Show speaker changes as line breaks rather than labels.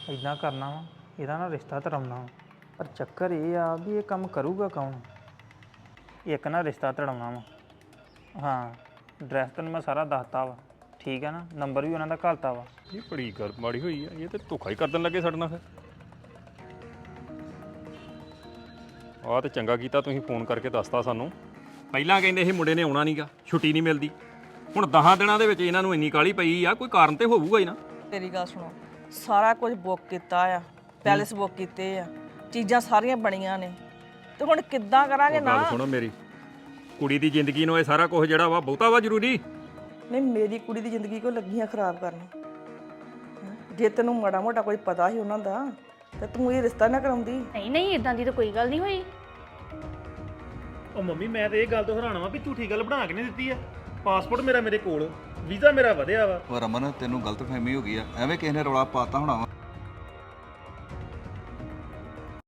ਇਦਾਂ ਕਰਨਾ ਵਾ, ਇਹਦਾ ਨਾ ਰਿਸ਼ਤਾ ਧਰਮਨਾ ਵਾ। ਪਰ ਚੱਕਰ ਇਹ ਆ ਵੀ ਇਹ ਕੰਮ ਕਰੂਗਾ ਕੌਣ? ਇੱਕ ਨਾ ਰਿਸ਼ਤਾ ਧੜਾਉਣਾ ਵਾ। ਹਾਂ, ਐਡਰੈਸ ਤੈਨੂੰ ਮੈਂ ਸਾਰਾ ਦੱਸਤਾ ਵਾ, ਠੀਕ ਹੈ ਨਾ? ਨੰਬਰ ਵੀ ਉਹਨਾਂ ਦਾ ਘੱਲਤਾ ਵਾ।
ਇਹ ਬੜੀ ਗੱਲ ਮਾੜੀ ਹੋਈ ਆ, ਇਹ ਤੇ ਧੋਖਾ ਹੀ ਕਰ ਦੇਣ ਲੱਗੇ ਸਾਡੇ ਨਾਲ। ਫਿਰ ਆਹ ਤੇ ਚੰਗਾ ਕੀਤਾ ਤੁਸੀਂ ਫੋਨ ਕਰਕੇ ਦੱਸਤਾ ਸਾਨੂੰ। ਪਹਿਲਾਂ ਕਹਿੰਦੇ ਇਹ ਮੁੰਡੇ ਨੇ ਆਉਣਾ ਨਹੀਂਗਾ, ਛੁੱਟੀ ਨਹੀਂ ਮਿਲਦੀ। ਹੁਣ 10 ਦਿਨਾਂ ਦੇ ਵਿੱਚ ਇਹਨਾਂ ਨੂੰ ਇੰਨੀ ਕਾਹਲੀ ਪਈ ਆ, ਕੋਈ ਕਾਰਨ ਤੇ ਹੋਊਗਾ ਹੀ ਨਾ।
ਤੇਰੀ ਗੱਲ ਸੁਣੋ, ਸਾਰਾ ਕੁਝ ਬੁੱਕ ਕੀਤਾ ਆ, ਪੈਲਸ ਬੁੱਕ ਕੀਤੇ ਆ, ਚੀਜ਼ਾਂ ਸਾਰੀਆਂ ਬਣੀਆਂ ਨੇ, ਤੇ ਹੁਣ ਕਿੱਦਾਂ ਕਰਾਂਗੇ ਨਾ?
ਗੱਲ ਸੁਣੋ ਮੇਰੀ, ਕੁੜੀ ਦੀ ਜ਼ਿੰਦਗੀ ਨੂੰ ਇਹ ਸਾਰਾ ਕੁਝ ਜਿਹੜਾ ਵਾ ਬਹੁਤਾ ਵਾ ਜ਼ਰੂਰੀ।
ਨਹੀਂ, ਮੇਰੀ ਕੁੜੀ ਦੀ ਜ਼ਿੰਦਗੀ ਕੋ ਲੱਗੀਆਂ ਖਰਾਬ ਕਰਨ? ਜੇ ਤੈਨੂੰ ਮਾੜਾ ਮੋਟਾ ਕੋਈ ਪਤਾ ਸੀ ਉਹਨਾਂ ਦਾ ਤੇ ਤੂੰ ਇਹ ਰਿਸ਼ਤਾ ਨਾ ਕਰਾਉਂਦੀ।
ਨਹੀਂ ਨਹੀਂ, ਇਦਾਂ ਦੀ ਤਾਂ ਕੋਈ ਗੱਲ ਨਹੀਂ ਹੋਈ।
ਉਹ ਮੰਮੀ ਮੈਂ ਤੇ ਇਹ ਗੱਲ ਤੋਂ ਹੈਰਾਨ ਵਾਂ ਵੀ ਝੂਠੀ ਗੱਲ ਬਣਾ ਕੇ ਨਹੀਂ ਦਿੱਤੀ ਆ। ਪਾਸਪੋਰਟ ਮੇਰਾ ਮੇਰੇ ਕੋਲ, ਵੀਜ਼ਾ ਮੇਰਾ ਵਧਿਆ ਵਾ।
ਉਹ ਰਮਨ ਤੈਨੂੰ ਗਲਤਫਹਿਮੀ ਹੋ ਗਈ ਆ, ਐਵੇਂ ਕਿਸੇ ਨੇ ਰੌਲਾ ਪਾਤਾ ਹੋਣਾ ਵਾ।